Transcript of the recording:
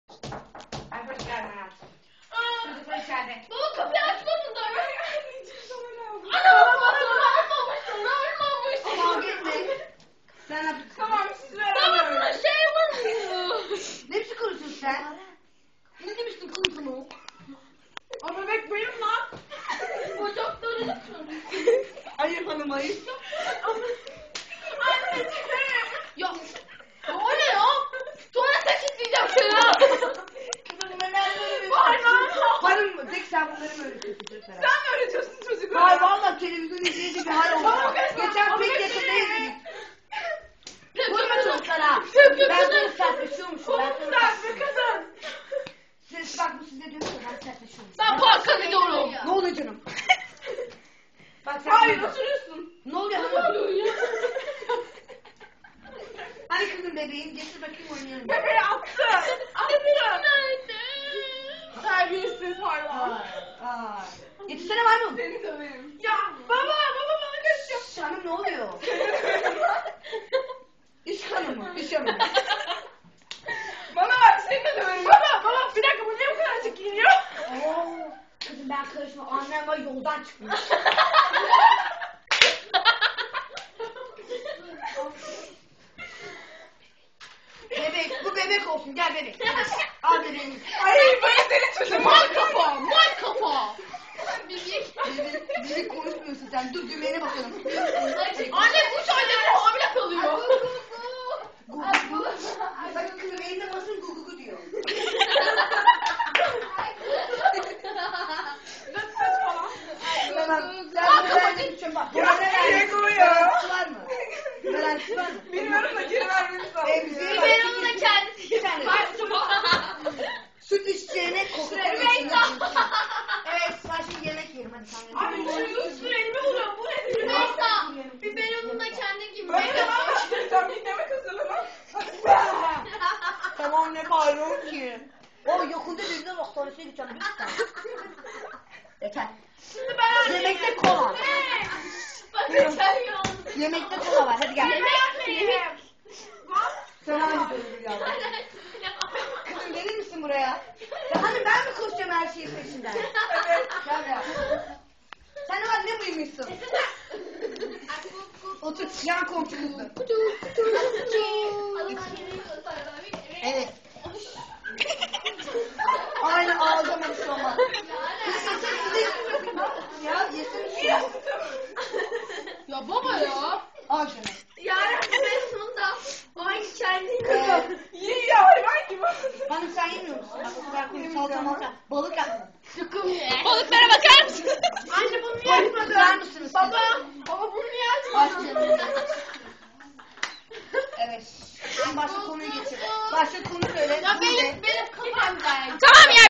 Ay hoş geldin hayatım. Çocuklar içeride. Baba kapıyı açmadın da. Ana ölmamışsın. Kavga etme. Sen yap. Tamam siz Baba beraber. buna şey yapamıyor. Ne biçim konuşuyorsun sen? Ne demiştin konuşunu? O bebek benim lan. Bacakları da Hayır hanım hayır. Anneciğim. Ya. O ne ya? Tuvalete kilitleyeceğim seni ha. Hanım mı? Tek sen bunları mı öğretiyorsun çocuklara? Sen mi öğretiyorsun çocuklara? Hayır valla televizyon izleyici bir hal oldu. Tamam, kızım. Geçen Ama pek hepsini yakında izledik. Kötü Vurma kızım. çocuklara. Kötü Ben kızım. sana sertleşiyormuşum. Ben Çok sana güzel bir kadın. Siz bak bu size diyor ki ben sertleşiyormuşum. Ben parka gidiyorum. Ne oluyor canım? Bak sen Hayır burada. oturuyorsun. Ne oluyor Ne hanım? oluyor ya? Hani kızım bebeğim getir bakayım oynayalım. Bebeği attı. Bebeğim nerede? Terbiyesiz hayvan. Aa. Getirsene maymun. Seni döverim. Ya baba bana kaçıyor. Hanım ne oluyor? İş hanımı. İş hanımı. Bana bak seni de döverim. Baba bir dakika bu niye bu kadar açık giyiniyor? Oo. Kızım ben karışma. Annem var yoldan çıkmış. Bebek. Bu bebek olsun. Gel bebek. Al bebeğimiz. Ay böyle senin çocuğun. Mal kafa. Mal kafa. Bebek konuşmuyorsun sen. Dur düğmene bakalım. Anne 3 aydır hamile kalıyor. Bakın kızım elinde basın gugugu diyor. Nasıl saçmalama. Tamam. Sen Bak, bu verdiğin için bak. Ya, Diego ya. Garantisi var mı? Garantisi var mı? Bilmiyorum da geri vermeniz lazım. Emziği ya. ver. Biberon'u da kendisi Bir tane. Süt içeceğine koku koyuyorsun. Evet ben şimdi yemek yerim hadi sen Abi şu üstüne elime vuruyor. Bu nedir? Neyse. Biberon'u da kendin gibi. Ben de bana sen bir yemek hazırlamam. Tamam ne bağırıyorsun ki? O yakında birine hastanesine gideceğim lütfen. Yeter. Şimdi ben Yemekte kola. Bak geçen gün oldu. Yemekte kola var hadi gel. Yemek. Sen hangi bölümü yazdın? Kızım gelir misin buraya? Ya hani ben mi koşacağım her şeyin peşinden? Evet. Gel ya. Sen var ne mıymışsın? Otur yan komşu kızı. Evet. Aynı ağzıma bir şey olmaz. Ya yesene şunu. Ya baba ya. Al şunu. Yarın Mesut'da aynı kendin İyi ya hayvan gibi. Hanım sen yemiyor musun? Bak o kadar kuru salata malta. Balık yaptım. Balıklara bakar mısın? Anne bunu niye Balık açmadın? tutar mısınız? Baba bunu niye Aç açmadın? canım. Evet. Şimdi başka konuyu geçelim. Başka konu söyle. Ya benim kafam güzel. Tamam ya